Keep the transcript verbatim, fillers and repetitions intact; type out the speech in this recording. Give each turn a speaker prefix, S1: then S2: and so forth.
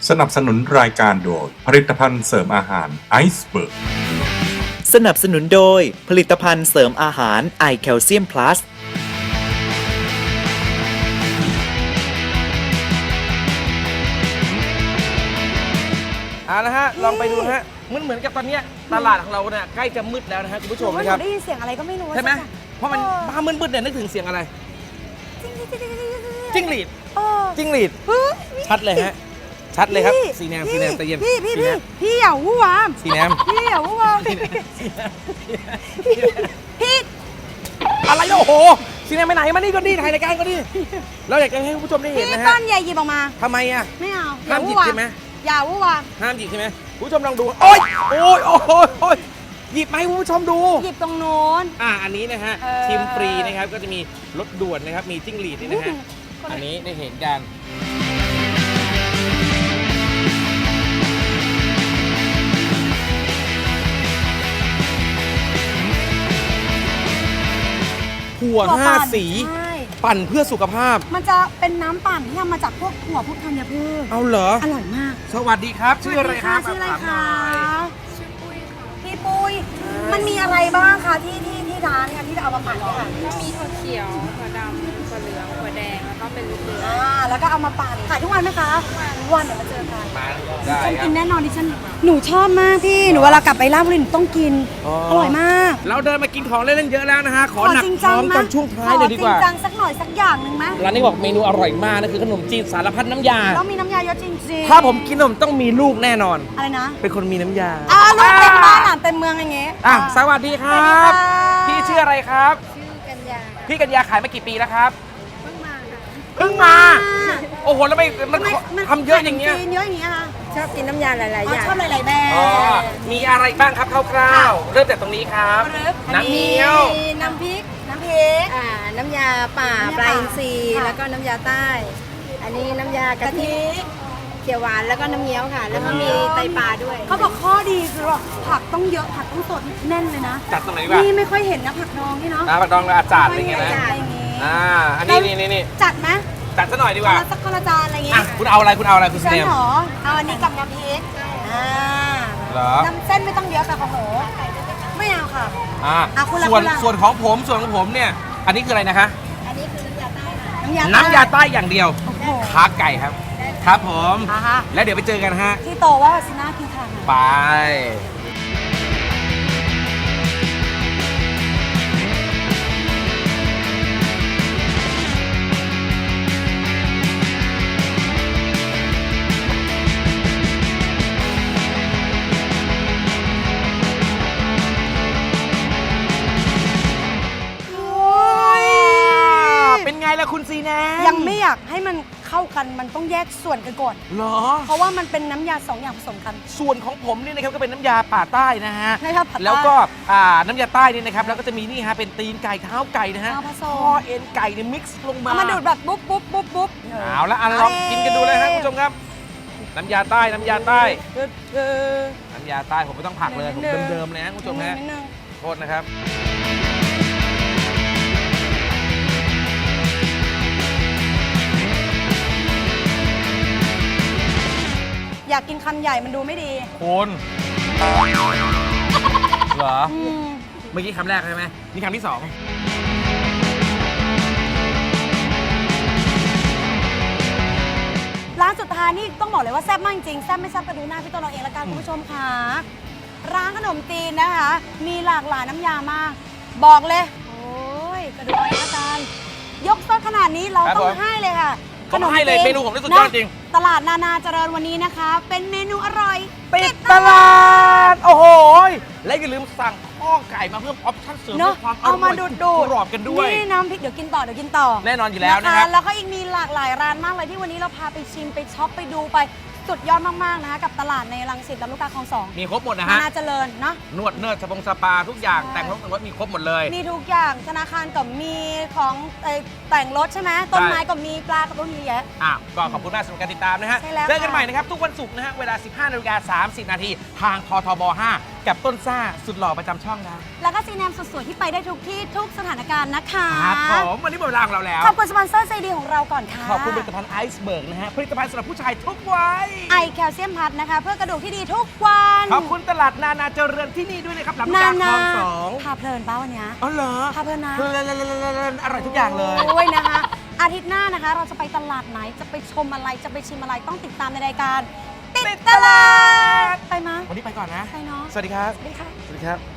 S1: สนับสนุนรายการโดยผลิตภัณฑ์เสริมอาหารไอซ์เบิร์ก
S2: สนับสนุนโดยผลิตภัณฑ์เสริมอาหารไอแคลเซียมพลัส
S3: เอาละฮะลองไปดูนะฮะมันเหมือนกับตอนนี้ตลาดของเราเนี่ยใกล้จะมืดแล้วนะฮะคุณผู้ชมนะครับ
S4: ได้ยินเสียงอะไรก็ไม่รู้
S3: ใช่ไหมเพราะมันบ้ามืดๆเนี่ยนึกถึงเสียงอะไรจิ้งหรีดจิ้งหรีดชัดเลยฮะชัดเลยครับสีแนมสีแนมตะเย็น
S4: พี่พี่พี่พี่อย่าวู้วาม
S3: สีแนม
S4: พี่อย่าวู้วามพี่
S3: อะไรโอ้โหสีแนมไปไหนมานี่ก็ดีถ่ายรายการก็ดีเราอยากจะให้คุณผู้ชมได้เห็น
S4: พี่
S3: นะฮะ
S4: ต้นใหญ่หยิบออกมา
S3: ทำไมอ่ะ
S4: ไม่เอา
S3: ห้ามหยิบใช่ไหม
S4: อย่าวู้วาม
S3: ห้ามหยิบใช่ไหมคุณผู้ชมลองดูโอ๊ยโอ๊ยโอ๊ยโอ๊ยหยิบมาให้คุณผู้ชมดู
S4: หยิบตรงโน้น
S3: อ่าอันนี้นะฮะ
S4: เออ
S3: ชิมฟรีนะครับก็จะมีรถด่วนนะครับมีจิ้งหรีดนี่นะฮะอันนี้ได้เห็นกันถั่วห้าสี
S4: ใช่
S3: ปั่นเพื่อสุขภาพ
S4: มันจะเป็นน้ำปั่นที่ทำมาจากพวกหัวพวกธัญพืช
S3: เอาเหรอ
S4: อร่อยมาก
S3: สวัสดีครับชื่ออะไรครับ
S4: ชื่ออะไร
S3: ถามหน่
S4: คะ
S3: อย
S4: พี่ปุ้ยมันมีอะไรบ้างคะที่ที่ที่ร้านเนี่ยที่จะเอามาปั่นเนี่ยค่ะ
S5: ก็มีถั่วเขียว ถั่วดำ ถั่วเหลือง ถั่วแดง แล้วก็เป็นลูกเดือย
S4: อ่าแล้วก็เอามาปั่นขายทุกวันไหมคะทุกวันเดี๋ยวมาเจอกัน
S3: มาได้
S4: ฉัน
S3: ครั
S4: กิ
S3: บ
S4: นแน่นอนดิฉันหนูชอบมากพี่หนูเวลากลับไปราชบุรีหนูต้องกิน
S3: อ๋อ
S4: อร่อยมาก
S3: เราเดินมากินของเล่นๆเยอะแล้วนะฮะขอหนัก
S4: จริง
S3: พร้อม
S4: ไห
S3: ตอนช่วงท้ายเลยดีกว่า
S4: ขอจริงจังสักหน่อยสักอย่างหนึ่งไหม
S3: ร้านนี้บอกเมนูอร่อยมากนะคือขนมจีนสารพัดน้ำยา
S4: ต้องมีน้ำยาเยอะจริงๆ
S3: ถ้าผมกินขนมต้องมีลูกแน่นอน
S4: อะไรนะ
S3: เป็นคนมีน้ำยา
S4: อ่าลูกเต็มบ้านอ่ะเต็มเมืองอย่างเงี้ย
S3: อ่ะสวัสดีครับ พี่ชื่ออะไรครับ
S5: ชื่อกัญญาค่ะ
S3: พี่กัญญาขายมากี่ปีแล้วครับ
S5: เพิ่งมาค่ะ
S3: เพิ่งมา โอ้โหแล้วไม่มันทำเยอะอย่างเงี้ย
S4: จีนเยอะอย่างเงี้ยค่ะ
S5: ชอบกินน้ำยาหลาย ๆ
S4: อ๋อ
S5: อย่าง
S4: ชอบหลายๆแบรนด์
S3: อ๋อมีอะไรบ้างครับคร่าวๆเริ่มจากตรงนี้ครับ น้ำเงี้ยว
S4: มีน้ำพริกน้ำพริก
S5: อ่า น้ำยาป่า
S4: น้ำยาป่า
S5: ปลาอินทรีย์
S4: ค่ะ
S5: แล้วก็น้ำยาใต้ อันนี้น้ำยากะ
S4: กะ
S5: ทิ
S4: ทิ
S5: เขียวหวาน แล้วก็น้ำเงี้ยวค่ะ แล้วก็มีไตปลาด้วย
S4: เขาบอกข้อดีคือว่าผักต้องเยอะผักต้องสดแน่นเลยนะ
S3: จัดตรงไหนดีกว่า
S4: นี่ไม่ค่อยเห็นนะผักดองนี่เนาะ
S3: น้ำผักดองและอาจารย์อะไรเงี้ยนะ
S4: ไม่ค่อเห็อย่างงี้
S3: อ่าอันนี้นี่นี่นี่
S4: จัดไหม
S3: จัดซะหน่อยดีก
S4: คน
S3: ว่า
S4: ละสักคนละจานอะไรอย่างงี้
S3: อ่ะคุณเอาอะไรคุณเอาอะไรคุณ
S4: ฉัน
S3: เนม
S4: เหรอเอาอันนี้กับน้ำพริกอ่า
S3: เหรอ
S4: น้ำเส้นไม่ต้องเยอะค่ะของหนูไม่เอาค่ะ
S3: อ่า
S4: อ่ะคุณละ
S3: ส่วน
S4: คุณละ
S3: ส่วนของผมส่วนของผมเนี่ย อันนี้คืออะไรนะคะ
S5: อันนี้คือน้ำยาใต้ค่ะ
S4: น้ำยา
S3: น้ำยาใต้อย่างเดียว
S4: โอ้โห
S3: ขาไก่ครับ ครับผม
S4: อ่าฮะ
S3: แล้วเดี๋ยวไปเจอกันฮะ
S4: ที่โตว่าซิน่ากินทาน
S3: ไป เป็นไงล่ะคุณซีแนม
S4: ยังไม่อยากให้มันเข้ากันมันต้องแยกส่วนกันก่อน
S3: เหรอ
S4: เพราะว่ามันเป็นน้ำยาสองอย่างผสมกัน
S3: ส่วนของผมนี่นะครับก็เป็นน้ำยาป่าใต้นะฮะ
S4: น้ำยาป่าใต้
S3: แล้วก็อ่าน้ำยาใต้นี่นะครับแล้วก็จะมีนี่ฮะเป็นตีนไก่เท้าไก่นะฮะ
S4: เอาผสม
S3: ข้อเอ็นไก่เนี่ยมิกซ์ลงมา
S4: เอามาดูดแบบปุ๊บปุ๊บปุ๊บปุ๊บ
S3: เอาละอ่ะลองกินกันดูเลยฮะคุณผู้ชมครับ น้ำยาใต้น้ำยาใต้
S4: เออเออ
S3: น้ำยาใต้ผมไม่ต้องผักเลยผม
S4: นิดนึง
S3: เดิมๆเลยฮะคุณผู้ชมฮะ
S4: นิดนึง
S3: โทษนะครับ
S4: อยากกินคำใหญ่มันดูไม่ดี
S3: คุณเหรอ
S4: อืม
S3: เมื่อกี้คำแรกใช่ไหมนี่คำที่สอง
S4: ร้านสุดท้ายนี่ต้องบอกเลยว่าแซ่บมากจริงๆแซ่บไม่แซ่บก็ดูหน้าพี่ต้นเราเองละกันคุณผู้ชมค่ะร้านขนมจีนนะคะ มีหลากหลายน้ำยามาก บอกเลย โอ้ยกระดูกไอ้อาจารย์ยกซดขนาดนี้เราต้องให้เลยค่ะ
S3: ผมให้เลย
S4: จี
S3: เมนูผมที่สุดยอดจริง
S4: ตลาดนานาเจริญวันนี้นะคะ เป็นเมนูอร่อย
S3: ปิดตลาด โอ้โห และอย่าลืมสั่งข้อไก่มาเพิ่มออปชั่นเสริม
S4: เนอะ
S3: เพื่อความอ
S4: เอา
S3: ร่
S4: มา
S3: อย
S4: ดูดดูด
S3: กรอบกันด้วย
S4: นี่น้ำพริกเดี๋ยวกินต่อเดี๋ยวกินต่อ
S3: แน่นอนอยู่แล้วนะครับ
S4: แล้วก็อีกมีหลากหลายร้านมากเลยที่วันนี้เราพาไปชิมไปช็อปไปดูไปสุดยอดมากๆนะคะกับตลาดในรังสิตลำลูกกาคลองสอง
S3: มีครบหมดนะ
S4: นา
S3: ฮะ
S4: นาเจริญเนาะ
S3: นวดเนิร์ดสปงสปาทุกอย่าง
S4: ใช่
S3: แต่งรถแต่งรถมีครบหมดเลย
S4: มีทุกอย่างธนาคารก็มีของเอ่อแต่งรถใช่ไหมต้นไม้ก็มีปลาก็มีเยอะ
S3: อ่ะก็ขอบคุณมากสำหรับการติดตามนะฮะ
S4: ใช่แล้ว
S3: เจอกัน
S4: ค่ะ
S3: ใหม่นะครับ ทุกวันศุกร์นะฮะ เวลา สิบห้านาฬิกาสามสิบนาทีทางททบห้ากับต้นซ่าสุดหล่อประจำช่องนะ
S4: แล้วก็ซีแนมสุดสวยที่ไปได้ทุกที่ทุกสถานการณ์นะคะ
S3: ครับผมวันนี้หมดเวลาของเราแล้ว
S4: ขอบคุณสปอนเซอร์ใจดีของเราก่อนค่ะ
S3: ขอบคุณผลิตภัณฑ์ไอซ์เบิร์กนะฮะผลิตภัณฑ์สำหรับผู้ชายทุกวัย
S4: ไอแคลเซียมพัทนะคะ เพื่อกระดูกที่ดีทุกวัน
S3: ขอบคุณตลาดนานาเจริญที่นี่ด้วยนะครับลำ
S4: นา
S3: ดาคล
S4: นา
S3: องสอง
S4: พาเพลินป้าวันเนี้ย
S3: อ๋อเหรอ
S4: พาเพลินนะ
S3: เพลินๆๆๆๆอร่อยทุกอย่างเลย
S4: โอ้ยนะคะ อาทิตย์หน้านะคะ เราจะไปตลาดไหนจะไปชมอะไรจะไปชิมอะไรต้องติดตามในรายการ ติดตลาดไปมั้ย
S3: วันนี้ไปก่อนนะ
S4: ไปเนาะ
S3: สวัสดีครับ
S4: สวัสดีค่ะ
S3: สวัสดีครับ